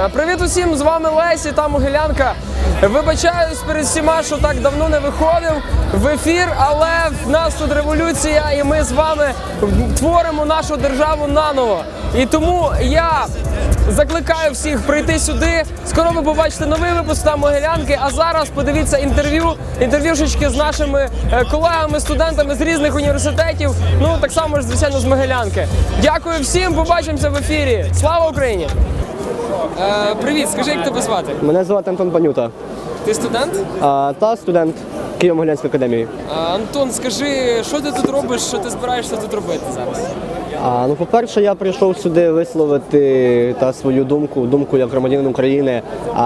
Привіт усім, з вами Лесі та Могилянка. Вибачаюсь перед всіма, що так давно не виходив в ефір, але в нас тут революція і ми з вами творимо нашу державу наново. І тому я закликаю всіх прийти сюди. Скоро ви побачите новий випуск та Могилянки, а зараз подивіться інтерв'юшечки з нашими колегами, студентами з різних університетів, ну так само ж, звичайно, з Могилянки. Дякую всім, побачимося в ефірі. Слава Україні! Привіт, скажи, як тебе звати? Мене звати Антон Панюта. Ти студент? Та студент Києво-Могилянської академії. Антон, скажи, що ти тут робиш, що ти збираєшся тут робити зараз? Ну, по-перше, я прийшов сюди висловити свою думку як громадянин України,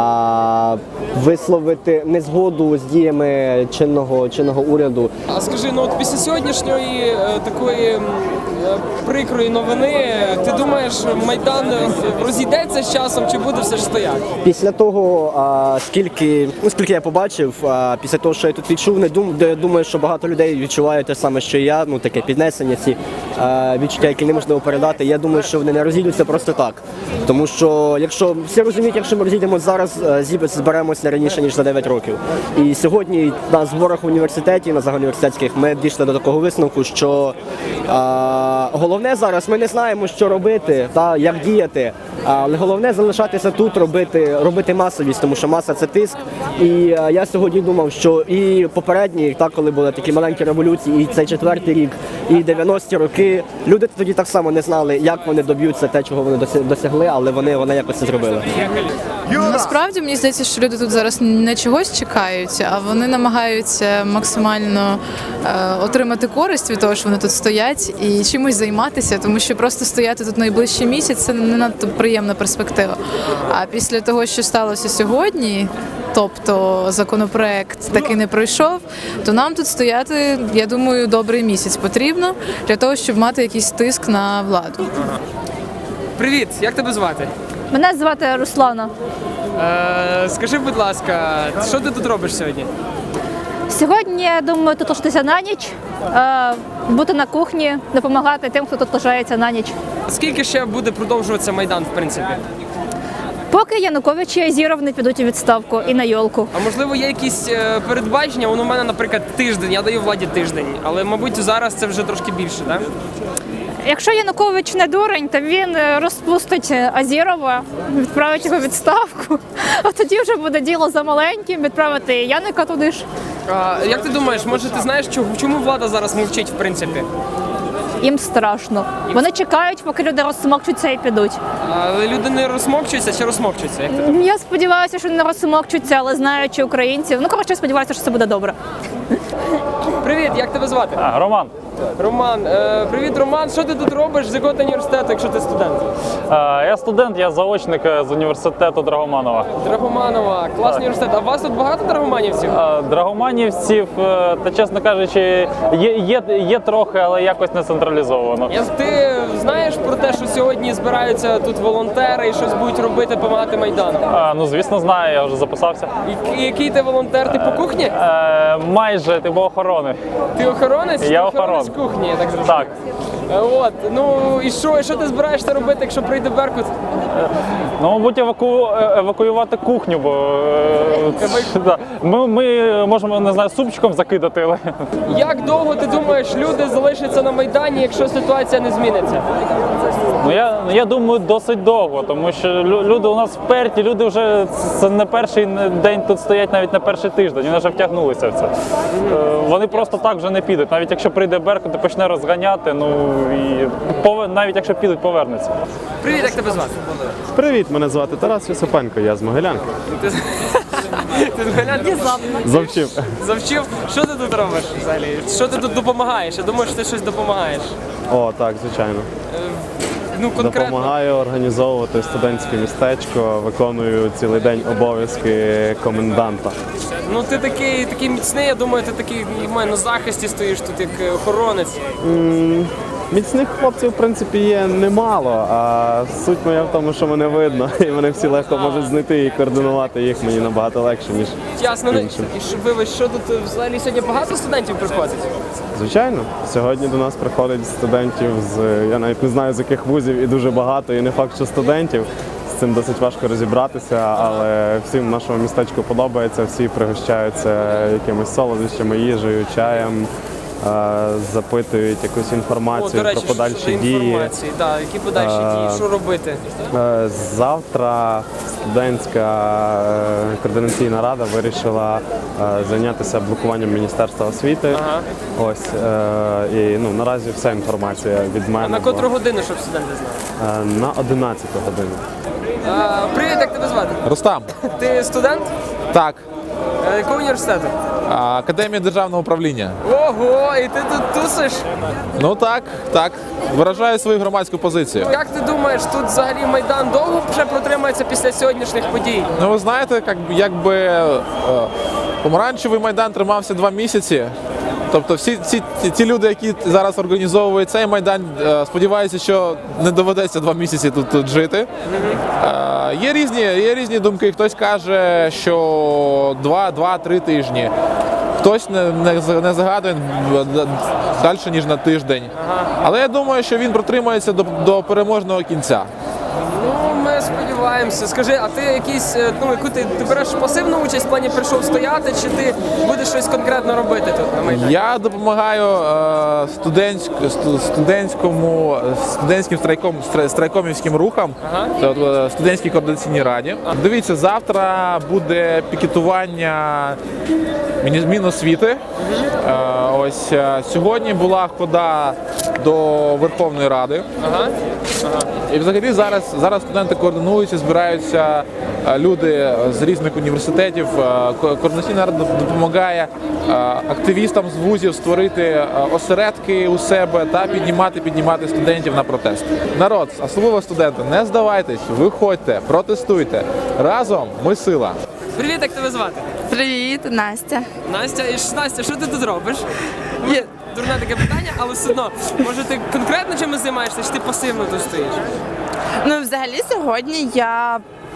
висловити незгоду з діями чинного уряду. А скажи, ну от після сьогоднішньої такої прикрої новини, ти думаєш, Майдан розійдеться з часом чи буде все ж стояти? Після того, скільки я побачив, після того, що я тут відчув, думаю, що багато людей відчувають те саме, що і я, таке піднесення, ці відчуття, які неможливо передати. Я думаю, що вони не розійдуться просто так. Тому що, якщо всі розуміють, якщо ми розійдемося зараз, зберемося не раніше, ніж за 9 років. І сьогодні на зборах в університеті, на загальноуніверситетських, ми дійшли до такого висновку, що головне зараз, ми не знаємо, що робити, як діяти, але головне залишатися тут, робити масовість, тому що маса – це тиск. І я сьогодні думав, що і попередні, коли були такі маленькі революції, і цей 4-й рік, і 90-ті роки, люди тоді так само не знали, як вони доб'ються те, чого вони досягли, але вони якось це зробили. Насправді, мені здається, що люди тут зараз не чогось чекають, а вони намагаються максимально отримати користь від того, що вони тут стоять, і чимось займатися, тому що просто стояти тут найближчий місяць – це не надто приємна перспектива. А після того, що сталося сьогодні, тобто законопроект таки не пройшов, то нам тут стояти, я думаю, добрий місяць потрібно для того, щоб мати якийсь тиск на владу. Привіт, як тебе звати? Мене звати Руслана. Скажи, будь ласка, що ти тут робиш сьогодні? Сьогодні, я думаю, тут лишитися на ніч, бути на кухні, допомагати тим, хто тут лишається на ніч. Скільки ще буде продовжуватися Майдан, в принципі? Поки Янукович і Азіров не підуть у відставку і на йолку. А можливо є якісь передбачення? У мене, наприклад, тиждень, я даю владі тиждень, але, мабуть, зараз це вже трошки більше, так? Якщо Янукович не дурень, то він розпустить Азірова, відправить його у відставку, а тоді вже буде діло за маленьким, відправити Яника туди ж. Як ти думаєш, може ти знаєш, чому влада зараз мовчить, в принципі? Їм страшно. Вони чекають, поки люди розсмокчуться і підуть. Але люди не розсмокчуються чи розсмокчуються? Як ти думаєш? Я сподіваюся, що не розсмокчуться, але знаючи українців. Коротше, сподіваюся, що це буде добре. Привіт, як тебе звати? Роман. Роман. Привіт, Роман. Що ти тут робиш? З якого ти університету, якщо ти студент? Я студент, я заочник з університету Драгоманова. Драгоманова. Класний університет. А у вас тут багато драгоманівців? Драгоманівців, та чесно кажучи, є трохи, але якось не централізовано. Ти знаєш про те, що сьогодні збираються тут волонтери і щось будуть робити, допомагати Майдану? Ну, звісно, знаю, я вже записався. Який ти волонтер? Ти по кухні? Майже, ти по охорони. Ти охоронець? Я охоронець охоронець. кухні, я так зрозумів. Так. От, ну і що ти збираєшся робити, якщо прийде Беркут? Ну, мабуть, евакуювати кухню, бо ми можемо, не знаю, супчиком закидати. Але... Як довго, ти думаєш, люди залишаться на Майдані, якщо ситуація не зміниться? Ну, я думаю, досить довго, тому що люди у нас вперті, люди вже це не перший день тут стоять, навіть не перший тиждень, вони вже втягнулися в це. Вони просто так вже не підуть, навіть якщо прийде Беркут і почне розганяти, ну і навіть якщо підуть, повернуться. Привіт, як тебе звати? Привіт, мене звати Тарас Юсипенко, я з Могилянки. Ти з Могилянки? Завчив. Завчив? Що ти тут робиш взагалі? Що ти тут допомагаєш? Я думаю, що ти щось допомагаєш. О, так, звичайно. Ну, конкретно. Допомагаю організовувати студентське містечко, виконую цілий день обов'язки коменданта. Ну ти такий міцний, я думаю, ти такий на захисті стоїш тут як охоронець. Міцних хлопців, в принципі, є немало, а суть моя в тому, що мене видно, і мене всі легко можуть знайти і координувати їх мені набагато легше, ніж Ясно. іншим. І вибач, що тут взагалі сьогодні багато студентів приходить? Звичайно, сьогодні до нас приходять студентів з, я навіть не знаю з яких вузів, і дуже багато, і не факт, що студентів. цим досить важко розібратися, але всім в нашому містечку подобається, всі пригощаються якимись солодощами, їжею, чаєм, запитують якусь інформацію До речі, про подальші щодо дії. інформації, так, які подальші дії, що робити? Завтра студентська координаційна рада вирішила зайнятися блокуванням Міністерства освіти. Ага. Ось і наразі вся інформація від мене. А на котру годину, щоб студенти знали? На 11 годину. Привіт, як тебе звати? Рустам, Ти студент? так, Якого університету? Академія державного управління. Ого, і ти тут тусиш? Ну так, виражаю свою громадську позицію. Як ти думаєш, тут взагалі Майдан довго вже протримається після сьогоднішніх подій? Ну ви знаєте, якби помаранчевий Майдан тримався 2 місяці. Тобто всі ті люди, які зараз організовують цей Майдан, сподіваюся, що не доведеться 2 місяці тут жити. Є різні думки. Хтось каже, що 2-3 тижні. Хтось не загадує далі, ніж на тиждень. Але я думаю, що він протримається до переможного кінця. Ну, ми сподіваємося. Скажи, а ти якийсь, яку ти береш пасивну участь в плані прийшов стояти, чи ти будеш щось конкретно робити тут на Майдані? Я допомагаю студентським страйкомівським рухам, студентській координаційній раді. Дивіться, завтра буде пікетування Міносвіти. Ось сьогодні була хода до Верховної Ради. І взагалі зараз студенти координуються, збираються люди з різних університетів. Координаційна рада допомагає активістам з вузів створити осередки у себе та піднімати студентів на протест. Народ, особливо студенти, не здавайтесь, виходьте, протестуйте. Разом ми сила. Привіт, як тебе звати? Привіт, Настя. Настя, Настя, що ти тут робиш? Дурне таке питання, але все одно, може ти конкретно чимось займаєшся, чи ти пасивно тут стоїш? Ну, взагалі, сьогодні я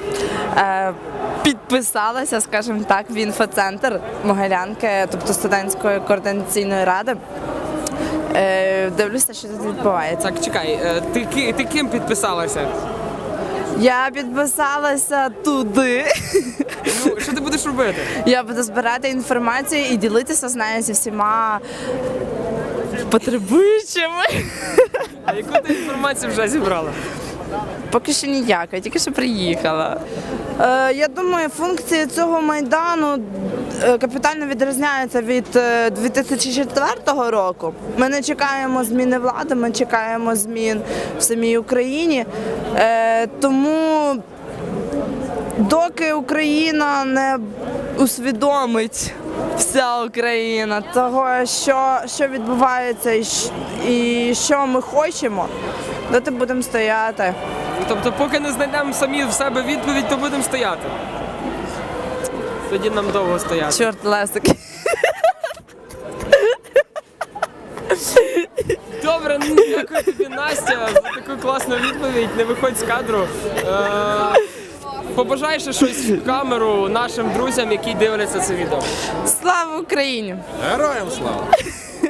підписалася, скажімо так, в інфоцентр Могилянки, тобто студентської координаційної ради. Дивлюся, що тут відбувається. Так, чекай, ти ким підписалася? Я підписалася туди. Ну, що ти будеш робити? Я буду збирати інформацію і ділитися з нею зі всіма потребуючими. А яку ти інформацію вже зібрала? Поки що ніяка, тільки що приїхала. Я думаю, функції цього Майдану капітально відрізняються від 2004 року. Ми не чекаємо зміни влади, ми чекаємо змін в самій Україні. Тому доки Україна не усвідомить, вся Україна, того, що відбувається і що ми хочемо, доти будемо стояти. Тобто, поки не знайдемо самі в себе відповідь, то будемо стояти. Тоді нам довго стояти. Чорт, Лесик. Добре, ну дякую тобі, Настя, за таку класну відповідь. Не виходь з кадру. Побажай ще щось в камеру нашим друзям, які дивляться це відео. Слава Україні! Героям слава!